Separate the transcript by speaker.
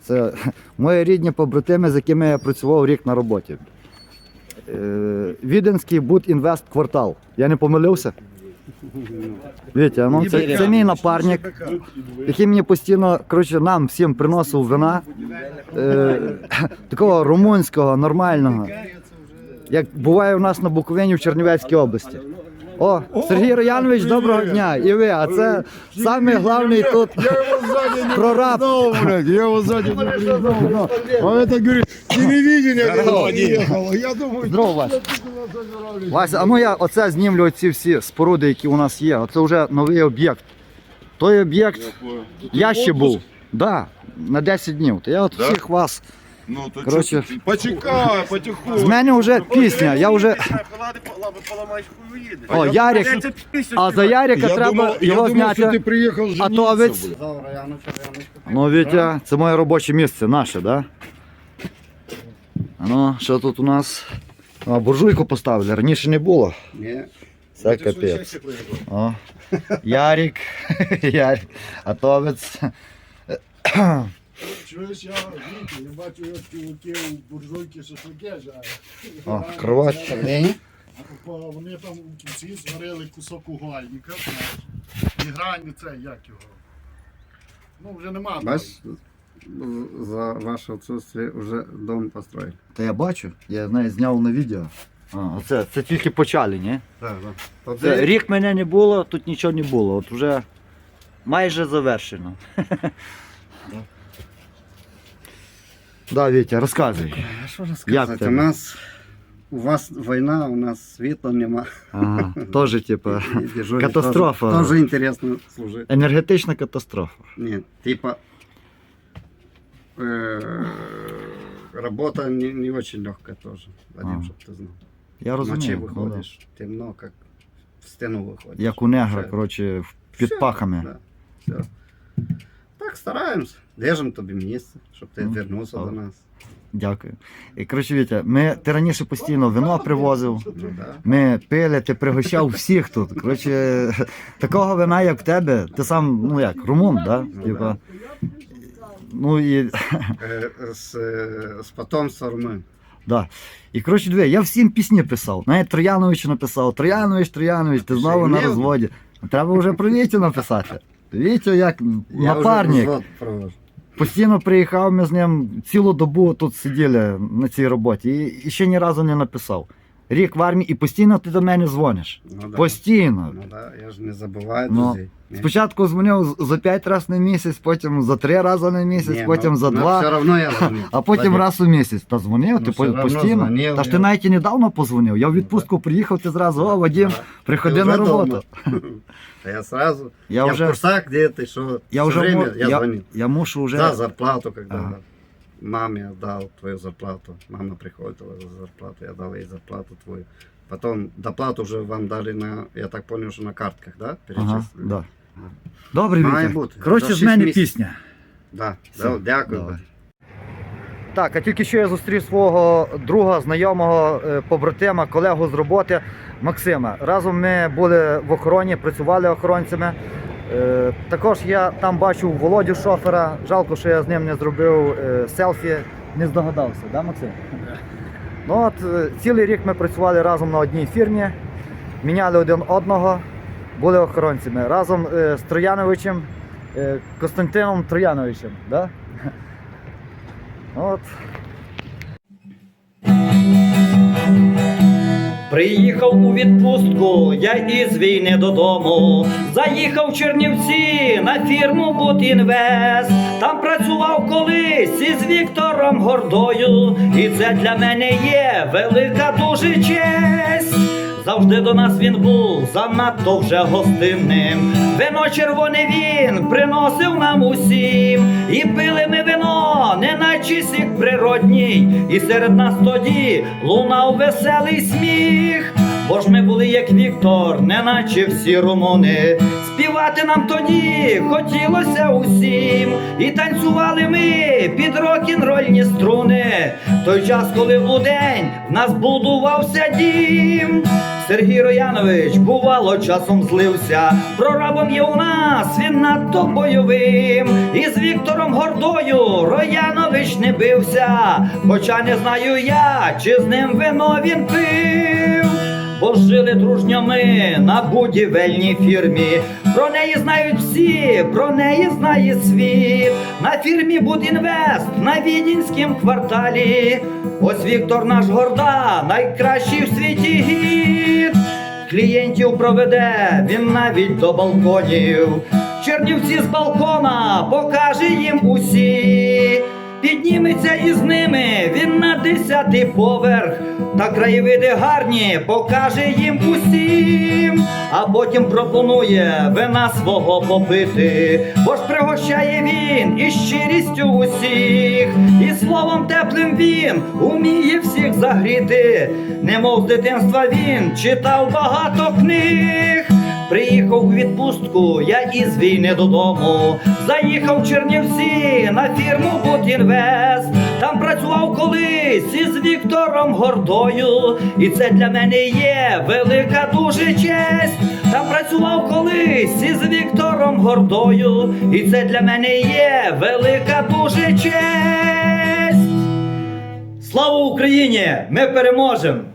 Speaker 1: Це мої рідні побратими, з якими я працював рік на роботі. Віденський Будінвест квартал. Я не помилився? Вітя, ну це мій напарник, який мені постійно, коротше, нам всім приносив вина. Такого румунського, нормального. Як буває у нас на Буковині в Чернівецькій області. О, Сергій Роянович, доброго дня! І ви, а це самий головний тут прораб.
Speaker 2: Я его сзади не признал. А это, говорит, телевидение приехало. Я думаю,
Speaker 1: Здорово, Вася. Вася, а ну я оце знімлю ці всі споруди, які у нас є. Оце вже новий об'єкт. Той об'єкт, я ще був, да, на 10 днів. То я от всіх вас,
Speaker 2: ну, то
Speaker 1: коротше,
Speaker 2: почекай, потихоньку.
Speaker 1: з мене вже пісня, я вже... О, Ярик, а за Ярика треба його
Speaker 2: думав, що ти
Speaker 1: зняти.
Speaker 2: приїхав жениться.
Speaker 1: Атовець. Ну, Вітя, це моє робоче місце, наше, да? А ну, що тут у нас? А, буржуйку поставили, раніше не було.
Speaker 3: Ні.
Speaker 1: Це капець. О, Ярик, Ярик, Атовець.
Speaker 2: Чуєш, я бачу, як чуваки у буржуйки шашлики жарять.
Speaker 1: О, кровать.
Speaker 2: Вони там у кінці зварили кусок угольника, знаєш. І грані це, як його. Ну, вже нема.
Speaker 3: Бачиш, за ваше відсутствие вже дом построїли.
Speaker 1: Та я бачу, я навіть зняв на відео. А, це тільки почали, ні?
Speaker 3: Так, так.
Speaker 1: Це, рік мене не було, тут нічого не було. От вже майже завершено. Да, Вітя, розказуй.
Speaker 3: А що
Speaker 1: Як
Speaker 3: розказати?
Speaker 1: тебе?
Speaker 3: У вас війна, у нас світла нема.
Speaker 1: Ага, теж, типа,
Speaker 3: І дежурить
Speaker 1: катастрофа.
Speaker 3: Теж інтересно служити.
Speaker 1: енергетична катастрофа.
Speaker 3: Ні, типа работа не очень легкая тоже, Вадим,
Speaker 1: А.
Speaker 3: щоб ти знав.
Speaker 1: Я
Speaker 3: Ночі
Speaker 1: розумію. Ну,
Speaker 3: виходиш, темно, як в стіну виходиш.
Speaker 1: да. Як у негра,
Speaker 3: Все.
Speaker 1: коротше, під
Speaker 3: Все,
Speaker 1: пахами.
Speaker 3: Да, все. Так, стараємось. Держимо тобі місце, щоб ти
Speaker 1: Ну,
Speaker 3: вернувся до
Speaker 1: добре.
Speaker 3: нас.
Speaker 1: Дякую. І, коротше, Вітя, ти раніше постійно вино привозив.
Speaker 3: Ну, да.
Speaker 1: Ми пили, ти пригощав всіх тут. Коротше, такого вина, як в тебе, ти сам, ну як, румун, да?
Speaker 3: Ну,
Speaker 1: Типа, ну і,
Speaker 3: З потомства румин.
Speaker 1: да. І, коротше, диви, я всім пісні писав. Навіть Трояновичу написав. Троянович, ти знову на
Speaker 3: Ще й
Speaker 1: розводі. Треба вже про Вітю написати. Вітю як
Speaker 3: Я
Speaker 1: напарник.
Speaker 3: вже розвод провожу.
Speaker 1: Постійно приїхав, ми з ним цілу добу тут сиділи на цій роботі і ще ні разу не написав. Рік в армії і постійно ти до мене дзвониш.
Speaker 3: Ну, да.
Speaker 1: Постійно.
Speaker 3: Ну, да. Я ж не забуваю
Speaker 1: Ну,
Speaker 3: друзей. Ні.
Speaker 1: Спочатку дзвонив за 5 разів на місяць, потім за 3 рази на місяць,
Speaker 3: Ні,
Speaker 1: потім
Speaker 3: ну,
Speaker 1: за
Speaker 3: ну,
Speaker 1: 2,
Speaker 3: все равно я дзвоню.
Speaker 1: а потім
Speaker 3: Вадим.
Speaker 1: раз у місяць. Та дзвонив,
Speaker 3: Ну,
Speaker 1: ти
Speaker 3: все равно
Speaker 1: постійно.
Speaker 3: дзвонив,
Speaker 1: Та ж ти
Speaker 3: я-
Speaker 1: навіть і недавно позвонив. Я в відпустку приїхав, ти зразу, о, Вадим,
Speaker 3: Да.
Speaker 1: приходи
Speaker 3: Ты
Speaker 1: на
Speaker 3: уже
Speaker 1: роботу.
Speaker 3: дома. А я сразу.
Speaker 1: Я
Speaker 3: Я
Speaker 1: уже-
Speaker 3: в курсах, где ты, что.
Speaker 1: Я
Speaker 3: Всё
Speaker 1: вже
Speaker 3: время
Speaker 1: мо-
Speaker 3: я звонил.
Speaker 1: я мушу вже.
Speaker 3: За зарплату, когда
Speaker 1: Ага.
Speaker 3: маме отдал твою зарплату. Мама приходила за зарплату, я дал ей зарплату твою. Потом доплату уже вам дали на, я так понял, что на картках, да?
Speaker 1: Ага,
Speaker 3: Перечислили?
Speaker 1: да. Добре,
Speaker 3: Має
Speaker 1: Вітя.
Speaker 3: бути.
Speaker 1: Коротше,
Speaker 3: За
Speaker 1: з мене
Speaker 3: 6 місяців.
Speaker 1: пісня.
Speaker 3: Да,
Speaker 1: Все,
Speaker 3: да, дякую.
Speaker 1: давай. Так, а тільки що я зустрів свого друга, знайомого, побратима, колегу з роботи Максима. Разом ми були в охороні, працювали охоронцями. Також я там бачив Володю шофера. Жалко, що я з ним не зробив селфі, не здогадався, да, Максим? Ну от, цілий рік ми працювали разом на одній фірмі, міняли один одного, були охоронцями. Разом з Трояновичем, Костянтином Трояновичем. Да? От.
Speaker 4: Приїхав у відпустку я із війни додому. Заїхав в Чернівці на фірму Будінвест. Там працював колись із Віктором Гордою. І це для мене є велика дуже честь. Завжди до нас він був занадто вже гостинним. Вино червоне він приносив нам усім. І пили ми вино, неначе сік природній. І серед нас тоді лунав веселий сміх. Бо ж ми були як Віктор, неначе всі румуни. Співати нам тоді хотілося усім, і танцювали ми під рок-н-рольні струни. Той час, коли удень в нас будувався дім. Сергій Роянович, бувало, часом злився. Прорабом є у нас, він надто бойовим. І з Віктором Гордою Роянович не бився. Хоча не знаю я, чи з ним вино він пив. Бо жили дружньо ми на будівельній фірмі. Про неї знають всі, про неї знає світ. На фірмі Будінвест, на Відінськім кварталі. Ось Віктор наш Горда, найкращий в світі гід. Клієнтів проведе він навіть до балконів. Чернівці з балкона покаже їм усі. Підніметься із ними він на 10-й поверх, та краєвиди гарні покаже їм усім. А потім пропонує вина свого попити, бо ж пригощає він із щирістю усіх. І словом теплим він уміє всіх загріти, немов з дитинства він читав багато книг. Приїхав у відпустку я із війни додому, заїхав в Чернівці на фірму Будінвест. Там працював колись із Віктором Гордою, і це для мене є велика дуже честь. Там працював колись із Віктором Гордою, і це для мене є велика дуже честь. Слава Україні! Ми переможемо!